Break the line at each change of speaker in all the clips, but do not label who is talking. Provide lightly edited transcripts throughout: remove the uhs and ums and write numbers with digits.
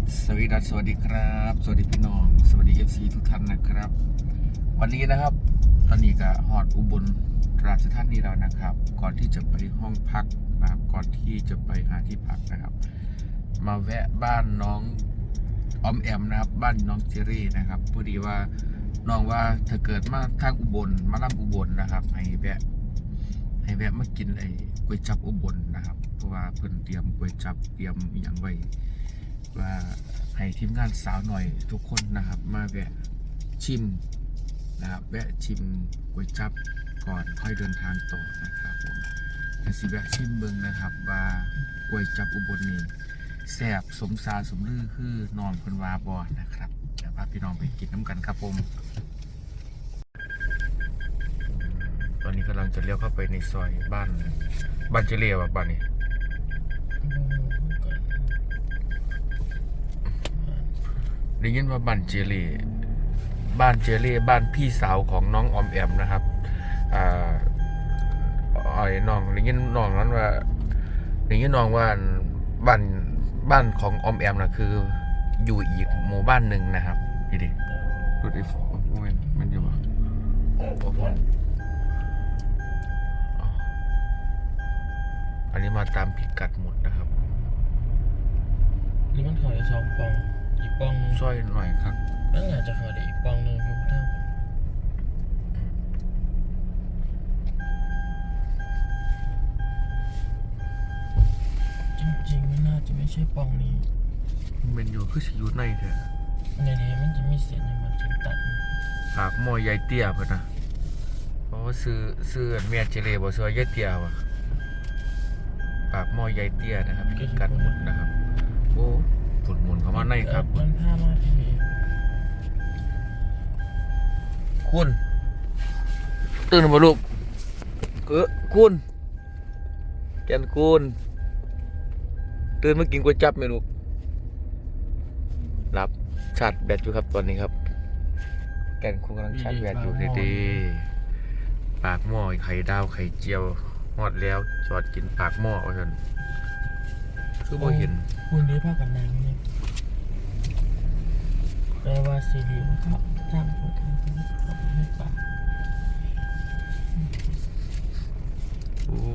สวัสดีครับสวัสดีพี่น้องสวัสดี FC ทุกท่านนะครับวันนี้นะครับตอนนี้ก็ฮอดอุบลราชธานีแล้วนะครับก่อนที่จะไปห้องพักนะครับก่อนที่จะไปหาที่พักนะครับมาแวะบ้านน้องออมแอมนะครับบ้านน้องเจอรี่นะครับพอดีว่าน้องว่าถ้าเกิดมาทางอุบลมาล่ำอุบลนะครับให้แวะมากินไอ้ก๋วยจั๊บอุบลนะครับเพราะว่าเพิ่นเตรียมก๋วยจั๊บเตรียมอย่างไว้ว่าให้ทีมงานสาวหน่อยทุกคนนะครับมาแวะชิมนะครับแวะชิมก๋วยจั๊บก่อนค่อยเดินทางต่อนะครับผมแต่สิแวะชิมเบิ่งนะครับว่าก๋วยจั๊บอุบลนี่แซ่บสมซาสมลือคือนอนคนวาบอนะครับเดี๋ยวพาพี่น้องไปกินน้ำกันครับผมตอนนี้กำลังจะเลี้ยวเข้าไปในซอยบ้านเจเลียวบ้านนี้ได้ยินว่าบ้านเจเลีบ้านพี่สาวของน้องออมแอมนะครับน้องได้ยินน้องนั้นว่าได้ยินน้องว่าบ้านของออมแอมนะคืออยู่อีกหมู่บ้านหนึ่งนะครับนี่ดิดูดิมันอยู่อันนี้มาตามพิกัดหมดนะครับ
นี่มันขอได้2 ปองอีกปอง
ซอยหน่อยครับ
นั่นอาจจะขอได้อีกปองนึงพี่พุทธจริงๆมันน่าจะไม่ใช่ปองนี้
มันอยู่คือสิอยู่ในเถอะ
ในนี้มันจะมีเศษอย่างมันกินตัด
ปากหม้อใหญ่เตี้ยเพิ่นนะเพราะว่าซื้อเมียเจเลบ่ซื้อใหญ่เตี้ยว่ะปากหม้อใหญ่เตี้ยนะครับพิกัดหมดนะครับโอ้ฝุ่นหมุนเข้ามาในครับ
มันพามาที่
คุณตื่นมาลูกคุณแกนคุณตื่นมากินก๋วยจั๊บไหมลูกรับชาร์จแบตอยู่ครับตอนนี้ครับแกนคุณกำลังชาร์จแบตอยู่ดีๆปากหม้อไข่ดาวไข่เจียวฮอดแล้วจอดกินปากหม้อเอาเถอะคือบ่เห็น
คุณได้พากันนางนี่แปลว่าซีรีส์มันก็ทำพูดถึงไม่ปาก
โอ้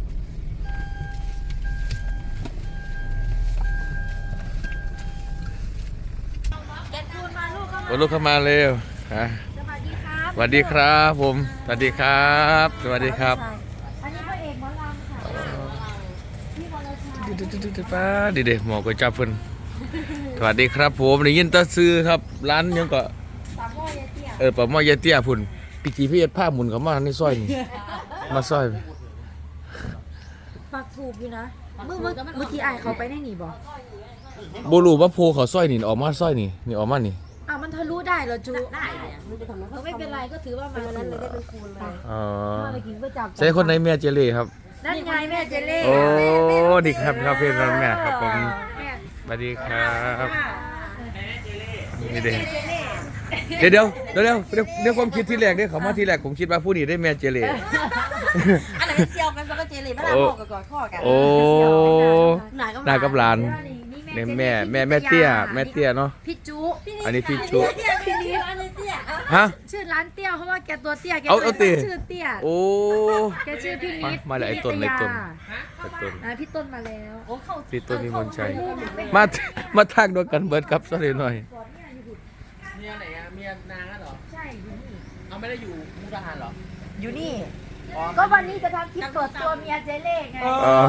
ลูกเข้ามาเร็วฮะสวัสดีครับผมสวัสดีครับสวัสดีครับ
อันนี้พระเอกหมอลำค่ะพี่วรชัย
ป้าดีหมอก๋วยจั๊บเพิ่นสวัสดีครับผมได้ยินตาซื้อครับร้านยังก็
ปากหม้อยายเตี้ย
ปากหม้อยายเตี้ยพุ่นพี่จีพี่เอ็ดผ้าหมุนเข้ามาในซอยนี่มาซอย
ปากถูกอยู่นะเมื่อกี้ไอเขาไปได้หนี
บ่รู้ว่าโพเขาซอยนี่ออกมาซอยนี่ออกมานี่
มันทะลุได้เหรอจูได้ไม่เป็นไรก็ถือว่ามานั้นเลยได้เป็นคูณเลยมากินก๋วยจั๊บ
ใช่คนไหนแม่เจเล่ครับ
นั่นไงแม่เจเล่
โอ้ดีครับเพื่อนแม่ครับผมสวัสดีครับนี่เดี๋ยวความคิดที่แรกเนี่ยเขามาที่แรกผมคิดว่าผู้นี้ได้แม่เจเล่
อะไรเซียวกันก็เจเล่ไม่ได้พ่อกับกอดข้อกัน
โอ้นายกับหลานเนี่ยแม่เตี้ยเนาะ
พี่จุ
อันนี้พี่จุ
พี่นิด
ฮะ
ชื่อร้านเตี้ยเพราะว่าแกตัวเตี้ยแกชื่อเตี้ย
โอ้
แกชื่อพี่นิด
มาเลยไอ้ต้นพี่ต้น
มาแล้ว
พี่ต้นมีมนชัยมาทางด้วยกันเบิร์ดครับสักหน่อย
เมียไหนอะเมียนางเหรอ
ใช่อยู่นี่
เอาไม่ได้อยู่มุกดาหารเหรอ
อยู่นี่ก็วันนี้จะทำคลิปเปิดตัวเมียเจเล่ไง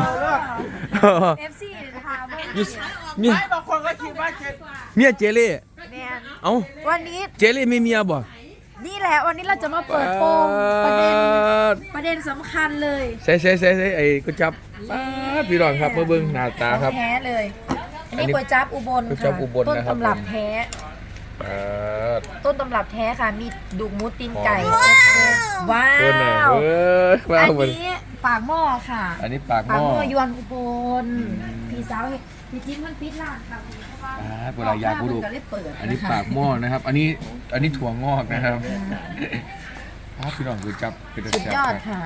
FC นะคะ
ไม่บางคนก็คิดว่า
เมียเจเล่เอ้า
วันนี้
เจเล่มีเมียบ่
นี่แหละวันนี้เราจะมาเปิดโปงประเด็นสำคัญเลย
ใช่ไอ้ก๋วยจั๊บพี่รองครับเมื่อเบิ้งหน้าตาครับ
แท้เลยอันนี้ก๋วยจั๊บอุบลค่ะต้นตำรับแท้ต้นตำรับแท้ค่ะมีดุกหมูตีนไก่ว้าวอันนี้ปากหม้อค่ะ
อันนี้ปากหม้
อยวนอุบลพี่สาวพี่จิ้มมันปิดร้านค่ะ
เวลายาผู้ดูอันนี้ปากหม้อนะครับอันนี้ถั่วงอกนะครับพี่น้องคือจับเป็น
สุดยอดค่ะ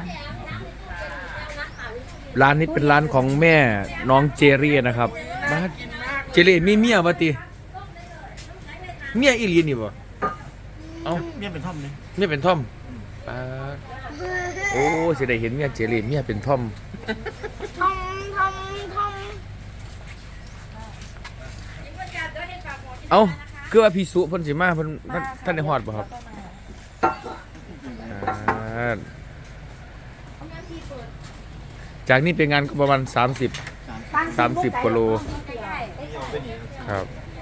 ร้านนี้เป็นร้านของแม่น้องเจรี่นะครับเจรี่มีเมียปะติเมียอีหลีนี่บ่เอ้า
เมียเป็นท่อมเลย
เมียเป็นท่อมปาดโอ้สิได้เห็นเมียเจรีเมียเป็นท่อม
ทอม
เอ้าคือว่าพี่สุเพิ่นสิมาเพิ่นท่านได้ฮอดบ่ครับอ่าจากนี้เป็นงานก็ประมาณ30กว่าโลครับ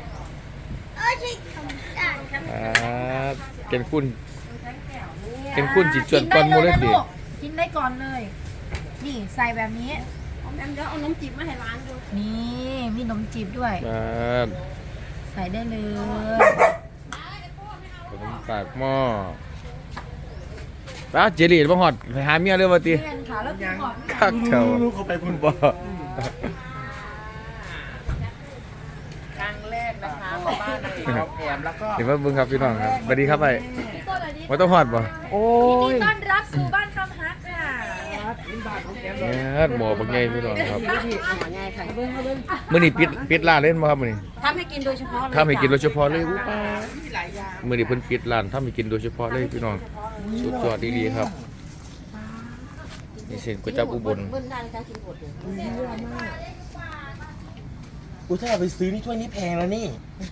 เป็นคุณจิตจวนก่อนหมู่เลยสิ
กินได้ก่อนเลย นี่ใส่แบบนี้
แอมเดี๋ยวเอาน้ำจิ้มมาให้ร้านดู
นี่มีนมจีบด้วย
อ่า
ใส่ได้เลย
ขนมปากหม้อป้าเจรีบ่ฮอดไปหาเมียเลยว่าติ
เพื่อนค่ะแล้วกินก่อน
คักแถว
ลูกเขาไปพุ่น
บ่
ครั้งแรกนะคะมาบ้านนางเอกเราแอมแล้วก็
เดี๋ยวมาเบิ่งครับพี่น้องครับสวัสดีครับไปบ่ต้องฮอดบ่โอ้
ยิน
ย
ดีต้อนรับสู่บ้านคำฮักค่ะ
เนี่ยหมอบักใหญ่พี่น้องครับ
ที่หัวใหญ่ค่ะเบิ้ง
มื้อนี้ปิดร้านเล่นบ่ครับมื้อนี้
ทำให้กินโดยเฉพาะเลย
ทำให้กินโดยเฉพาะเลยอู้
มีหลายอย่าง
มื้อนี้เพิ่นปิดร้านทำให้กินโดยเฉพาะเลยพี่น้องสุดยอดดีๆครับนี่เส้นก๋วยจั๊บอุบล
เบิ้งได้ค่ะกินหมดเลย
กูถ้าเอาไปซื้อนี่ถ้วยนี้แพงแล้วนี่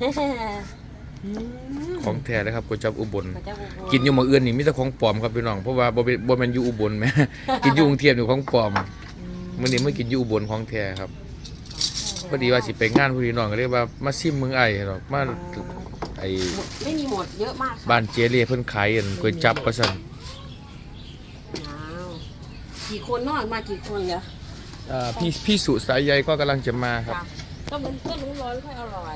ของแท้เลยครับก๋วยจั๊บอุบล
พระเจ้าอุบล
กินอยู่หม้องอื่นนี่มีแต่ของปลอมครับพี่น้องเพราะว่าบ่แม่นอยู่อุบลแหม กินอยู่กรุงเทพนี่ของปลอมมื้อนี้มากินอยู่อุบลของแท้ครับพอดีว่าสิไปงานพี่น้องก็เลยว่ามาซิมเมืองไอ้ดอกมาไอ้
ไม่มีหมดเยอะมากค่ะ
บ้านเจเล่เพิ่นขายอันก๋วยจั๊บว่าซั่น
ว้าวกี่คนนอกมากี่คนเหรอ
พี่สุสายใยก็กำลังจะมาครับ
ค่ะก็มันก็รู้ร้อนค่อยอร่อย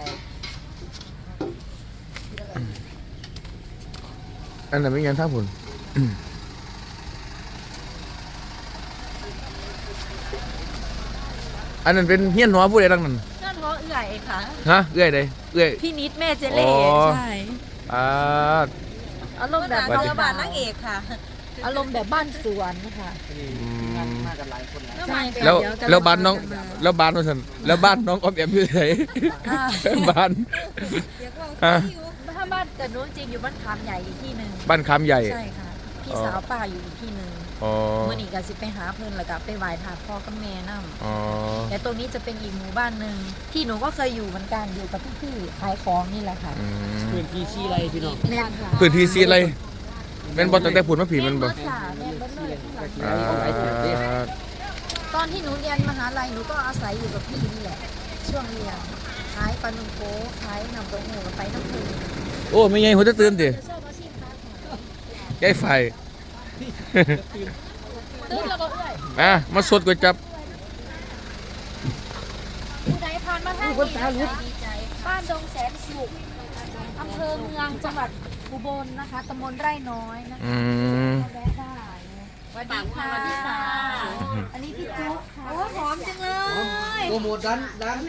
อันนั้นเป็นยังท่าพุ่น อันนั้นเป็นเฮียนหัวผู้ใดดังนั้น
นั่นเพราะเอื่อยค่ะ
ฮะเอื้อยใดเอื้อย
พี่นิดแม่เจเล่
อ๋อ
ใช่
อ่า
อารมณ์แบบ
สวัสดี
บ้านนางเอกค่ะ อารมณ์แบบบ้านสวนนะคะ
อืม
มากันหลายคนแล้ว
ใช่
แล้วบ้านน้องแล้วบ้านว่าซั่นแล้วบ้านน้องออมแอมอยู่ไหนบ้านฮะ
ถ้าบ้านแต่นู้นจริงอยู่บ้านคามใหญ่อีกที่หนึ่ง
บ้านคำใหญ่
ใช่ค่ะ พี่สาวป้าอยู่อีกที่หนึ่ง
อ๋อ
เมื่อนี้ก็สิไปหาเพิ่นแล้วก็ไปไหว้ถาพ่อกับแม่นำ
อ๋อ
แต่ตรงนี้จะเป็นอีกหมู่บ้านหนึ่งที่หนูก็เคยอยู่เหมือนกันอยู่กับพี่ๆขายของนี่แหละค่ะ
อืม
พื้นที่ชี้ไรพี่น้อง
แม่นค่ะ
พื้นที่สีอะไรแม่นบ่ตั้งแต่พูดมาผีมันบ่
แม่นค่ะแม่นเบิดเลยข้างหลัง
อ่า
ตอนที่หนูเรียนมหาลัยหนูก็อาศัยอยู่กับพี่นี่แหละ ช่วงเรียนขายปลาหนุ่มโก้ขายน้ำเต้าหู้กับไปน้ำผึ้ง
โอ้ไม่ใหญ่หัวจะตื่นติ
จะชอบอาชีพค้าขาย
ยายไฟ
ตื่นแล้วก็เอ้ย
มาสดก๋วยจั๊บ
ผู้ใดผ่านมาทางนี้นะคะดีใจบ้านดงแสนสุขอำเภอเมืองจังหวัดอุบลนะคะตำบลไร่น้อยนะคะ
อืม
แวะได้สวัสดีค่ะพี่สาวอันนี้พี่จุ๊กค่ะโอ้หอมจังเลย
โปรโมทดัน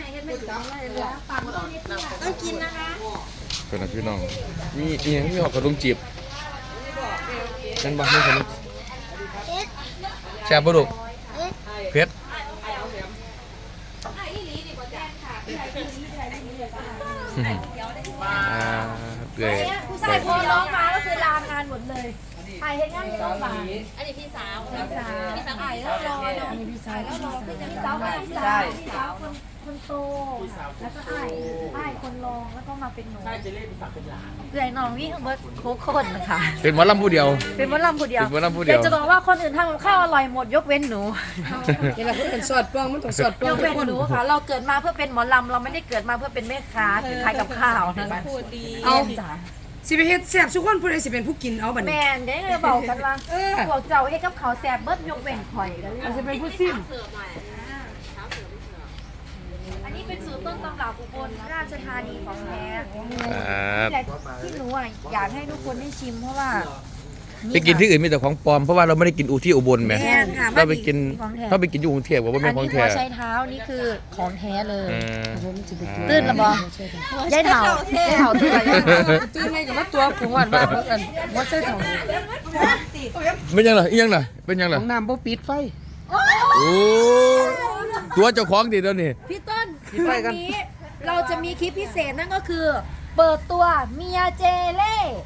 ต้องกินนะคะ
เป็นนะพี่น้องมีอีหยังมีหอกขนมจีบนั่นบ่มีขนมแซ่บบ่ลูกเผ็ดเปื่อย
ผู้ชายโทรร้องมาก็คือลางานหมดเลยถ่ายเห็นงานในโรงพยาบาล
อันนี้พี่สาว
พี่สาวถ่ายแล้วรอเนาะพี่สาวแล้วรอพี่สาวแบบพี่สาวคนโตแล้วก็อ้ายคนรองแล้วก็มาเป็นหนู
ใช่เจเล่เป็นฝากเป็นหลาน
เอื่อยน้องวิ่งเบิร์ดโคคนนะคะ
เป็นหมอลำผู้เดียว
เป็นมะลำผู้เดียว
เป็นมะลำผู้เดียว
แต่จะบอกว่าคนอื่นทำกับข้าวอร่อยหมดยกเว้นหนู
นี่แหละเพื่อนสอดป้องมันต้องสอดป้
ย
อง
กเว้นหนูค่ะ เราเกิดมาเพื่อเป็นหมอลำเราไม่ได้เกิดมาเพื่อเป็นแม่ค้าคือขายกับข้าวนะคะ
เอา
จ้ะ
สิไปเฮ็ดแซ่บทุกคนผู้ใดสิเป็นผู้กินเอาบัดนี้
แม่นเดี๋ยวเราบอกกันว่าพวกเจ้าให้กับเขาวแสบเบิดยกเว้นข่อยกันเลย
เอาสิเป็นผู้ซิม
อันนี้เป็นสูตรต้นตำรับอุบลราชธานีของแท้
ครับ
แต่ที่หนูอ่ะอยากให้ทุกคนได้ชิมเพราะว่า
ไปกินที่อื่นมีแต่ของปลอมเพราะว่าเราไม่ได้กินอูที่อุบลแหม
แม่นค่ะ
เราไปกิน
ของแท้
ถ้าไปกินอยู่กรุงเทพว่า
อั
ไม่
น
ของ
นี้
แท้
หัวใช้เท้านี่คือของแท้เลย
อืม
ตื่นละบอยายเถาตื่นละยายเถา
ตื่นในกับว่าตัวผงหวานว่าเพิ่นบ่ใช่ของ
เป็นยังไงอีหยังล่ะเป็นยัง
ข
ล่ะ
องน้ำบ่ปิดไฟ
โอ้ตัวเจ้าของดิเดี๋ยวนี้
พี่ต้น
ปิดไฟ
วั
กัน
นนี้เราจะมีคลิปพิเศษนั่นก็คือเปิดตัวเมียเจเล่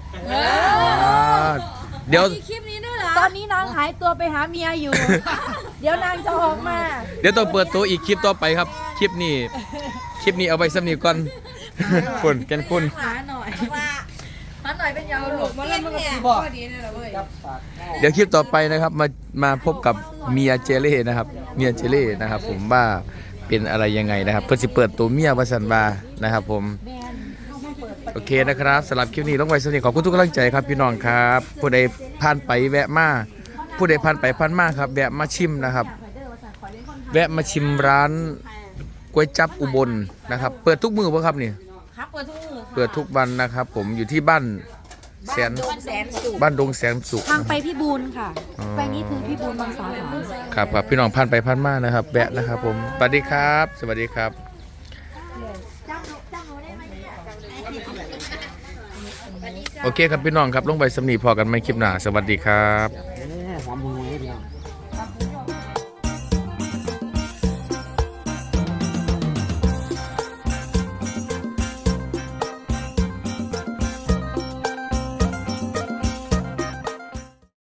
เดี๋ยว
มีคลิปนี้ด้วยเหรอตอนนี้นางหายตัวไปหาเมียอยู่ เดี๋ยวนางจะออกมา
เดี๋ยวต้องเปิดตัวอีกคลิปต่อไปครับคลิปนี้เอาไว้สำนีก่อนคุณแกนคุณ
หาหน่อยเป็นยาวหลบมาแล้วมันก็ตีบอกดีนี่แหละเว้ย
เดี๋ยวคลิปต่อไปนะครับมาพบกับเมียเจเล่นะครับเมียเจเล่นะครับผมว่าเป็นอะไรยังไงนะครับเพื่อสิเปิดตัวเมียวาสันบานะครับผมโอเคนะครับสำหรับคลิปนี้ต้องไว้สำนีขอบคุณทุกกำลังใจครับพี่น้องครับผู้ใดผ่านไปแวะมาผู้ใดผ่านไปผ่านมาครับแวะมาชิมนะครับแวะมาชิมร้านก๋วยจั๊บอุบลนะครับเปิดทุกมื้อป่ะครับนี่
ครับเปิดทุกมือ
เปิดทุกวันนะครับผมอยู่ที่บ้านแสน
สุข
บ้านดงแสนสุข
ทางไปพี่บูนค่ะไปนี้คือพี่บูนบางสาขา
ครับพี่น้องผ่านไปผ่านมานะครับแวะนะครับผมสวัสดีครับ สวัสดีครับโอเคครับพี่น้องครับลงไปสำนีพอกันไม่คลิปหน้าสวัสดีครับ